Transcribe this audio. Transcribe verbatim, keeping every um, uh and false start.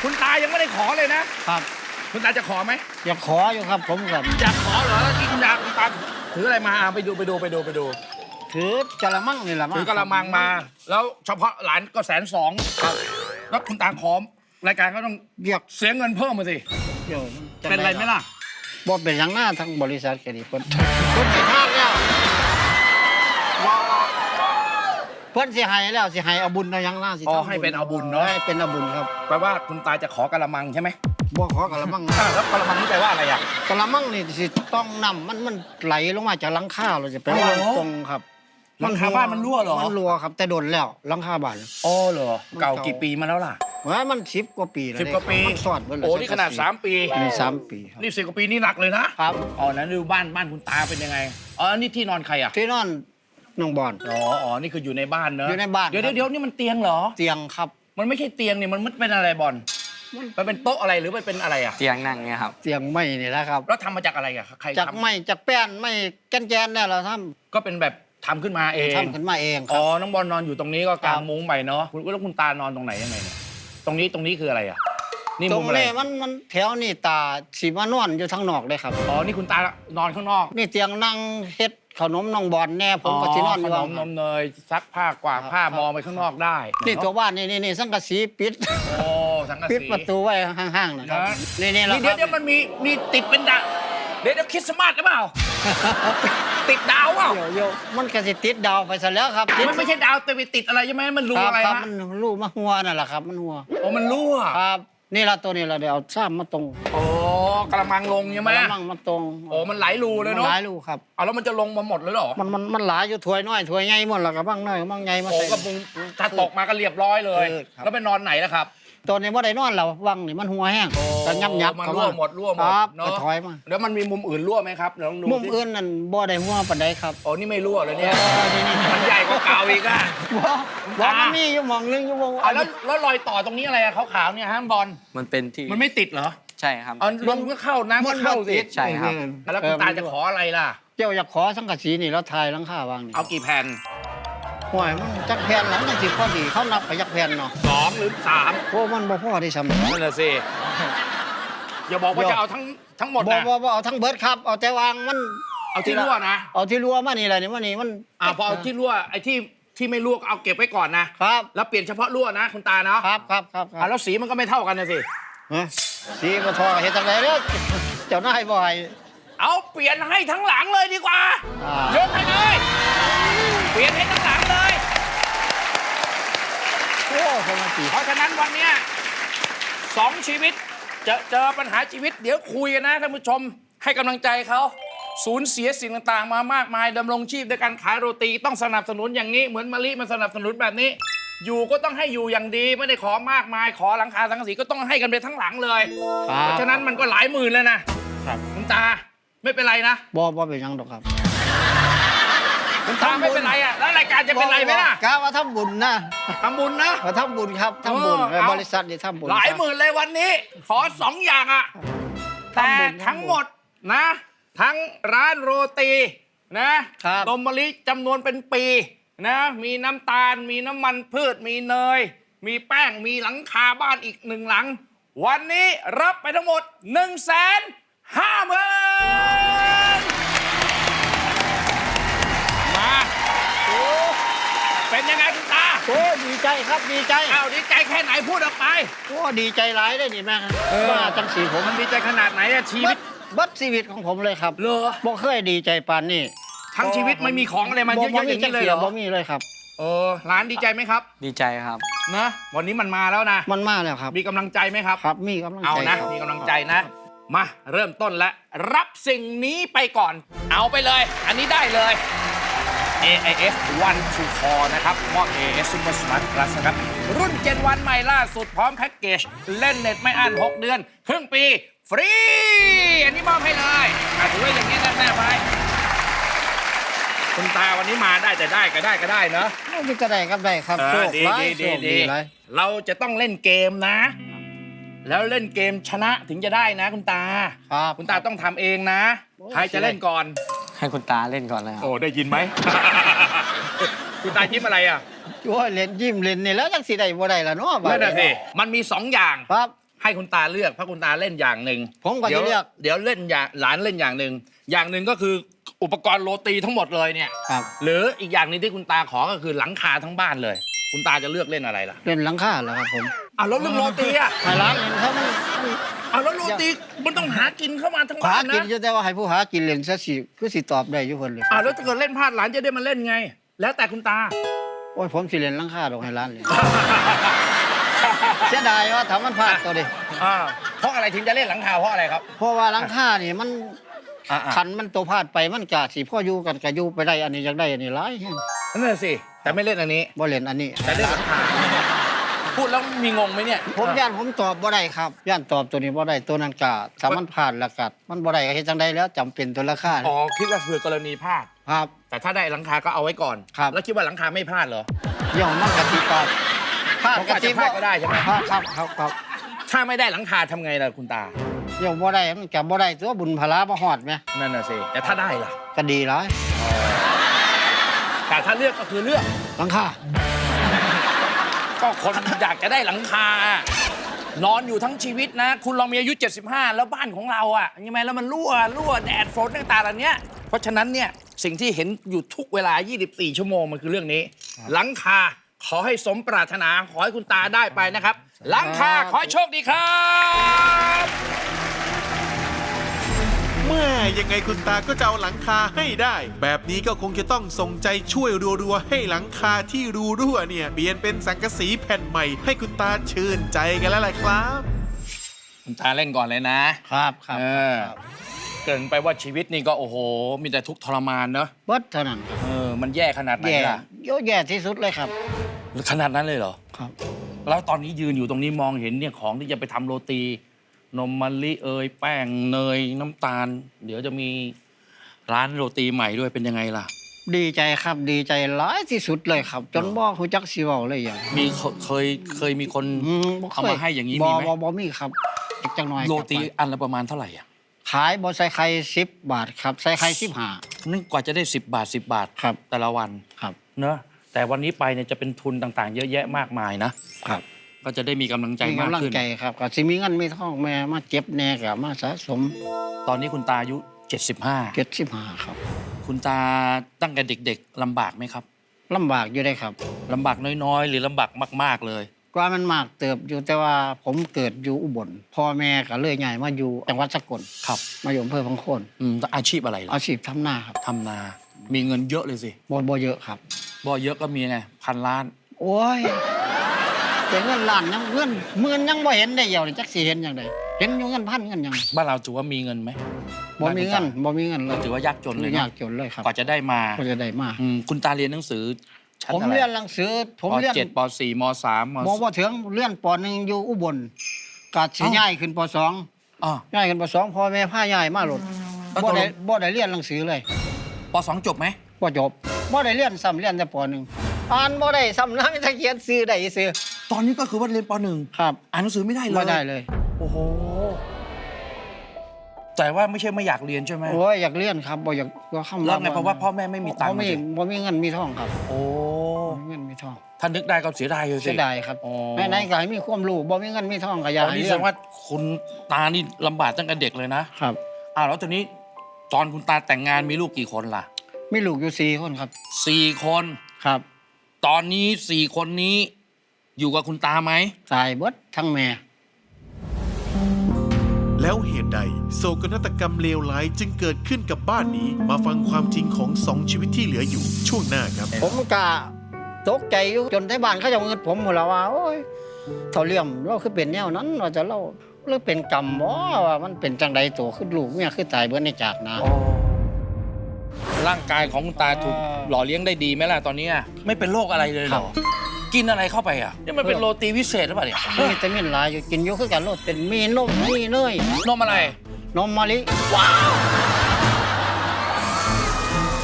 คุณตายังไม่ได้ขอเลยนะครับคุณตาจะขอไหมอยากขออยู่ครับผมกับอยากขอเหรอแล้วที่คุณตาคุณตาถืออะไรมาไปดูไปดูไปดูไปดูถือกะละมังนี่แหละถือกะละมังมา แล้วเฉพาะหลานก็แสนสองครับแล้วคุณตาขอรายการก็ต้องเรียกเสียเงินเพิ่มมาสิเป็นไรไหมล่ะบ่เป็นอย่างหน้าทั้งบริษัทแค่นี้เพิ่นเพิ่นสิทางแล้วเพิ่นสิให้แล้วสิให้เอาบุญเอาอย่างหน้าสิอ๋อให้เป็นเอาบุญเนาะให้เป็นเอาบุญครับแปลว่าคุณตาจะขอกะละมังใช่ไหมบ่ขอกะละมังแล้วกะละมังนี่แปลว่าอะไรอ่ะกะละมังนี่สิต้องนำมันมันไหลลงมาจากหลังคาเราจะไปวางตรงครับหลังคาบ้านมันรั่วเหรอมันรั่วครับแต่โดนแล้วหลังคาบ้านอ๋อเหรอเก่ากี่ปีมาแล้วล่ะว่ามันสิบกว่าปีแล้วสิบกว่าปีมันสอดเบิ่โอ้นี่ขนาดสามปีนี่สามปีครับนี่สิบกว่าปีนี่หนักเลยนะครับอ๋อนั้นดูบ้านบ้านคุณตาเป็นยังไงอ๋อนี่ที่นอนใครอ่ะที่นอนน้องบอลอ๋ออ๋อนี่คืออยู่ในบ้านเนอะอยู่ในบ้านเดี๋ยวเดี๋ยวนี่มันเตียงเหรอเตียงครับมันไม่ใช่เตียงนี่มันมันเป็นอะไรบอลมันเป็นโต๊ะอะไรหรือมันเป็นอะไรอ่ะเตียงนั่งเนี่ยครับเตียงไม้นี่แหละครับแล้วทำมาจากอะไรอ่ะใครจากไม้จากแป้นไม้แกนแกนเนี่ยเราทำก็เป็นแบบทำขึ้นมาเองทำขึ้นมาเองอ๋อน้องบอลนอนอยู่ตรงนี้ก็กางมุ้งไปเนาะแล้วคุณตานอนตรงไหนยังไงเนี่ยตรงนี้ตรงนี้คืออะไรอ่ะนี่มุมอะไรตรงนี้มันมันแถวนี่ตาสีมานอนอยู่ทางนอกเลยครับอ๋อนี่คุณตานอนข้างนอกนี่เตียงนั่งเฮ็ดขนมน้องบอลแน่ผมก็สินอนอยู่ขนมนมเนยซักผ้ากวาดผ้ามองไปข้างนอกได้นี่ตัวบ้านนี่นี่สังกะสีปิดโอ้สังกะสีปิดประตูไว้ห่างๆนะครับนี่นี่เราเดี๋ยวเดี๋ยวมันมีมีติดเป็นดาวเดี๋ยวเดี๋ยวคริสต์มาสหรือเปล่าติดดาวเปล่าเดี๋ยวเดี๋ยวมันก็สิติดดาวไปซะแล้วครับมันไม่ใช่ดาวแต่ไปติดอะไรใช่ไหมมันรูอะไรฮะมันรูมาหัวนั่นแหละครับมันหัวโอ้มันรั่วครับนี่ละตัวนี้เราเดี๋ยวเอาซ้ำมาตรงโอ้กระมังลงใช่ไหมกระมังมาตรงโอ้มันไหลรูเลยเนาะไหลรูครับเอาแล้วมันจะลงมาหมดเลยหรอมันมันมันไหลอยู่ถ้วยน้อยถ้วยใหญ่หมดแล้วกระมังน้อยกระมังใหญ่มาใส่โอ้ก็ถ้าตกมาก็เรียบร้อยเลยแล้วไปนอนไหนล่ะครับตัวนี้ว่าได้นอนแล้ววังนี่มันหัวแห้งแต่ยับยับมันรั่วหมดรั่วหมดเนาะถอยมาแล้วมันมีมุมอื่นรั่วไหมครับลองดูมุมอื่นนั่นบ่ได้หัวปานใดครับอ๋อนี่ไม่รั่วเลยเนี่ยมันใหญ่กว่าเก่าอีกอ่ะบ่มันมีอยู่มองนึงอยู่วงแล้วแล้วรอยต่อตรงนี้อะไรอะขาวๆเนี่ยฮะบอลมันเป็นที่มันไม่ติดเหรอใช่ครับลมก็เข้าน้ำก็เข้าสิใช่ครับแล้วคุณตาจะขออะไรล่ะเจ้าอยากขอสังกะสีนี่แล้วทายหลังคาวางนี่เอากี่แผ่นห่วยมันจักแผ่นหลังจังสิพอดีเขานับไปจักแผ่นเนาะสองหรือสามโอ้มันบ่พอได้ซ้ำนั่นแหละสิอย่าบอกว่าจะเอาทั้งทั้งหมดนะบ่บ่เอาทั้งเบิร์ดครับเอาแต่วางมันเอาที่รั่วนะเอาที่รั่วมานี่แหละนี่มานี่มันอ่าพอเอาที่รั่วไอ้ที่ที่ไม่รั่วเอาเก็บไว้ก่อนนะครับแล้วเปลี่ยนเฉพาะรั่วนะคุณตาเนาะครับครับครับอ่าแล้วสีมันก็ไม่เท่ากันนะสิสีบ่ทอเฮ็ดจังได๋เด้อเจ้านายบ่ให้เอาเปลี่ยนให้ทั้งหลังเลยดีกว่ายกให้เลยเปลี่ยนให้ทั้งหลังเลยโอ้สมาธิเพราะฉะนั้นวันนี้สองชีวิตจะเจอปัญหาชีวิตเดี๋ยวคุยกันนะท่านผู้ชมให้กำลังใจเขาสูญเสียสิ่งต่างๆมามากมายดำรงชีพด้วยการขายโรตีต้องสนับสนุนอย่างนี้เหมือนมะลิมันสนับสนุนแบบนี้อยู่ก็ต้องให้อยู่อย่างดีไม่ได้ขอมากมายขอหลังคาสังกะสีก็ต้องให้กันไปทั้งหลังเลยเพราะฉะนั้นมันก็หลายหมื่นแล้วนะคุณตาไม่เป็นไรนะบ่บ่เป็นยังดอกครับคุณตาไม่เป็นไรอ่ะแล้วรายการจะเป็นไรไหมล่ะกะว่าทำบุญนะทำบุญนะทำบุญครับทำบุญบริษัทนี่ทำบุญหลายหมื่นเลยวันนี้ขอสองอย่างอ่ะแต่ทั้งหมดนะทั้งร้านโรตีนะนมมะลิจำนวนเป็นปีนะมีน้ำตาลมีน้ำมันพืชมีเนยมีแป้งมีหลังคาบ้านอีกหนึ่งหลังวันนี้รับไปทั้งหมดหนึ่งแสนห้าหมื่นมาโอ้เป็นยังไงคุณตาโอ้ดีใจครับดีใจอ้าวดีใจแค่ไหนพูดออกไปโอ้ดีใจหลายได้นี่แม่ว่าจังสีผมมันดีใจขนาดไหนอะชีวิตบัดชีวิตของผมเลยครับเหรอบ่เคยดีใจปานนี้ทั้งชีวิตไม่มีของอะไรมาเยอะๆอย่างนี้เลยเหรอบ่มีเลยครับเออร้านดีใจไหมครับดีใจครับนะวันนี้มันมาแล้วนะมันมาแล้วครับมีกำลังใจไหมครับครับมีกำลังใจเอานะมีกำลังใจนะมาเริ่มต้นแล้วรับสิ่งนี้ไปก่อนเอาไปเลยอันนี้ได้เลย เอ ไอ เอส วัน to คอ นะครับมอบ เอ เอส Super Smart Plus นะครับรุ่นเจนวันใหม่ล่าสุดพร้อมแพ็กเกจเล่นเน็ตไม่อั้นหกเดือนครึ่งปีฟรีอันนี้มอบให้เลยถือว่าอย่างนี้แน่ๆไปคุณตาวันนี้มาได้แต่ได้ก็ได้ก็ได้เนาะไม่ก็ได้ก็ได้ครับโชคดีดีดีเราจะต้องเล่นเกมนะแล้วเล่นเกมชนะถึงจะได้นะคุณตาคุณตาต้องทำเองนะใครจะเล่นก่อนให้คุณตาเล่นก่อนเลยครับโอ้ได้ยินไหม คุณตายิ้มอะไรอ่ะโอ้ยเล่นยิ้มเล่นนี่แล้วจังสิได้บ่ได้ล่ะเนาะนั่นน่ะสิมันมีสองอย่างครับให้คุณตาเลือกเพราะคุณตาเล่นอย่างหนึ่งผมก็เดี๋ยจะวเลือกเดี๋ยวเล่นอย่างหลานเล่นอย่างหนึ่งอย่างหนึ่งก็คืออุปกรณ์โรตีทั้งหมดเลยเนี่ยครับหรืออีกอย่างหนึงที่คุณตาขอก็คือหลังคาทั้งบ้านเลย คุณตาจะเลือกเล่นอะไรล่ะเล่นหลังคาแหล้วครับผมอ้าวแล้วเรื่องโรตีอ่ะให้ร้านเล่นเขามันอ้าวแล้วโรตีมันต้องหากินเข้ามาทั้งหาบ้านกินนะอยู่แต่ว่าให้ผู้หากินเล่นซะสิคือสิตอบได้อยู่เพิ่นเลยอ้าวแล้วถ้าเกิดเล่นพลาดหลานจะได้มาเล่นไง แล้วแต่คุณตาโอ้ยผมสิเล่นหลังคาดอกให้ร้านเลยเสียดายว่าถ้ามันพลาดตัวดิอ่าเพราะอะไรถึงจะเล่นหลังคาเพราะอะไรครับเพราะว่าหลังคานี่มันอ่าขันมันตัวพลาดไปมันกะสิพ่ออยู่กันกะอยู่ไปได้อันนี้อยากได้อันนี้หลายแฮงนั่นแหละสิแต่ไม่เล่นอันนี้บ่เล่นอันนี้แต่เล่นหลังคาพูดแล้วมีงงไหมเนี่ยผมย่านผมตอบบ่ได้ครับย่านตอบตัวนี้บ่ได้ตัวนั้นกะถ้ามันพลาดแล้วกะมันบ่ได้ก็เฮ็ดจังไดแล้วจำเป็นตัวราคาอ๋อคิดว่าเผื่อกรณีพลาดครับแต่ถ้าได้หลังคาก็เอาไว้ก่อนครับแล้วคิดว่าหลังคาไม่พลาดเหรอเดี๋ยวมันกะสิตอบพลาดมันก็อาจจะพลาดก็ได้ใช่ไหมพลาดครับครับครับถ้าไม่ได้หลังคาทำไงล่ะคุณตาเดี๋ยวบ่ได้มันกะบ่ได้ตัวบุญพลาบ่ฮอดแหมนั่นน่ะสิแต่ถ้าได้ล่ะก็ดีหลายแต่ถ้าเลือกก็คือเลือกหลังคาก็คนอยากจะได้หลังคา นอนอยู่ทั้งชีวิตนะ คุณลองมีอายุ เจ็ดสิบห้า แล้วบ้านของเราอ่ะยังไงแล้วมันรั่วรั่วแดดฝนต่างๆเหล่านี้เพราะฉะนั้นเนี่ยสิ่งที่เห็นอยู่ทุกเวลา ยี่สิบสี่ ชั่วโมงมันคือเรื่องนี้ หลังคาขอให้สมปรารถนาขอให้คุณตาได้ไปนะครับ หลังคาขอให้โชคดีครับเมื่อยังไงคุณตาก็จะเอาหลังคาให้ได้ แบบนี้ก็คงจะต้องส่งใจช่วยรัวๆให้หลังคาที่รูรั่วเนี่ยเปลี่ยนเป็นสังกะสีแผ่นใหม่ให้คุณตาชื่นใจกันแล้วล่ะครับคุณตาเล่นก่อนเลยนะครับครับเออเกรินไปว่าชีวิตนี่ก็โอ้โห มีแต่ทุกข์ทรมานเนอะเบิดเท่านั้นครับเออมันแย่ขนาดไหนแย่ล่ะโยแย่ที่สุดเลยครับขนาดนั้นเลยเหรอครับแล้วตอนนี้ยืนอยู่ตรงนี้มองเห็นเนี่ยของที่จะไปทำโรตี นมมะลิเอยแป้งเนยน้ำตาล เดี๋ยวจะมีร้านโรตีใหม่ด้วยเป็นยังไงล่ะดีใจครับดีใจหลายที่สุดเลยครับ จนบ่ฮู้จักสิเว้าเลยอย่างมีเคเคยเคยมีคนอืมบ่คเอามาให้อย่างนี้บ่มีไหมบ่บ่มีครับอีกจังหน่อยโรตีกลับไปอันละประมาณเท่าไหร่อ่ะขายบ่ใส่ไข่สิบบาทครับใส่ไข่สิบห้านึกกว่าจะได้สิบบาทสิบบาทครับแต่ละวันครับเนอะแต่วันนี้ไปเนี่ยจะเป็นทุนต่างๆ เยอะแยะมากมายนะครับก็จะได้มีกำลังใจมีมากกำลังขึ้นใจครับก็สิมีเงินมีทองแม่มาเจ็บแน่ก็มาสะสมตอนนี้คุณตาอายุเจ็ดสิบห้าเจ็ดสิบห้าครับคุณตาตั้งแต่เด็กๆลำบากไหมครับลำบากอยู่ได้ครับลำบากน้อยๆ หรือลำบากมากๆเลยกว่ามันมากเติบอยู่แต่ว่าผมเกิดอยู่อุบลพ่อแม่ก็เลยย้ายมาอยู่จังหวัดสกลครับมาอยู่อำเภอพังโคนอืมอาชีพอะไรล่ะอาชีพทำนาครับทำนา มีเงินเยอะเลยสิบ่บ่เยอะครับบ่เยอะก็มีไงพันล้านโอ้ยแต่เงินล้านยังเงินหมื่นยังบ่เห็นได้เดียวนี่จักสิเห็นจังไดเห็นอยู่เงินพันเงินหยังบ้านเราถือว่ามีเงินไหมบ่มีเงินบ่มีเงินเลเรายถือว่ายากจนเลยยานะกจนเลยครับกว่าจะได้มาก็จะได้มาอืมคุณตาเรียนหนังสือชั้นผมอะไรเรียนหนังสือผมปเรียนเจ็ดปสี่มสามมมบ่ถึงเรียนปหนึ่งอยู่อุบลกาดสิย้ายขึ้นปสองอ๋อย้ายขึ้นปสองพ่อแม่พาย้ายมาโลดแล้วบ่ตกลงได้บ่ได้เรียนหนังสือเลยปสองจบไหมบ่จบบ่ได้เรียนซ้ำเรียนแต่ปหนึ่งอ่านบ่ได้ซ้ำนะมีแต่เขียนซื้อได้ซื้อตอนนี้ก็คือว่าเรียนปหนึ่งครับอ่านหนังสือไม่ได้เลยบ่ได้เลยโอ้โหแต่ว่าไม่ใช่ไม่อยากเรียนใช่ไหมโอ้ยอยากเรียนครับบ่อยากก็คำแล้วไงเพราะว่าพ่อแม่ไม่มีตังค์บ่มีสิบ่มีเงินมีทองครับโอ้บ่มีเงินมีทองถ้านึกได้ก็เสียดายเลยสิเสียดายครับอ๋อไหนๆก็ให้มีความรู้บ่มีเงินมีทองก็อยากตอนให้นี้เรีแสยดนงว่าคุณตานี่ลำบากตั้งแต่เด็กเลยนะครับ อ้าวแล้วตอนนี้ตอนคุณตาแต่งงานมีลูกกี่คนล่ะมีลูกอยู่สี่คนครับสี่คนครับตอนนี้สี่คนนี้อยู่กับคุณตาไหมตายเบิดทั้งแม่แล้วเหตุใดโศกนาฏกรรมเลวร้ายจึงเกิดขึ้นกับบ้านนี้ มาฟังความจริงของสองชีวิตที่เหลืออยู่ช่วงหน้าครับผมก็ตกใจอยู่จนที่บ้านเขาจะเอาเงินผมหมดแล้วว่าโอ้ยเท่าเลี่ยมเราคือเป็นแนวนั้นว่าจะเล่าหรือเป็นกรรมบ่ว่ามันเป็นจังใดตัวคือลูกเมียคือตายเบิดในจากนะร่างกายของคุณตาถูกหล่อเลี้ยงได้ดีไหมล่ะตอนนี้ไม่เป็นโรคอะไรเลยเหรอกินอะไรเข้าไปอ่ะนี่มันเป็นโรตีวิเศษหรือเปล่าเนี่ยมีวิตามินหลายอยู่กินอยู่คือกันโลดเป็นมีนมมีเนยนมอะไรนมมะลิว้าว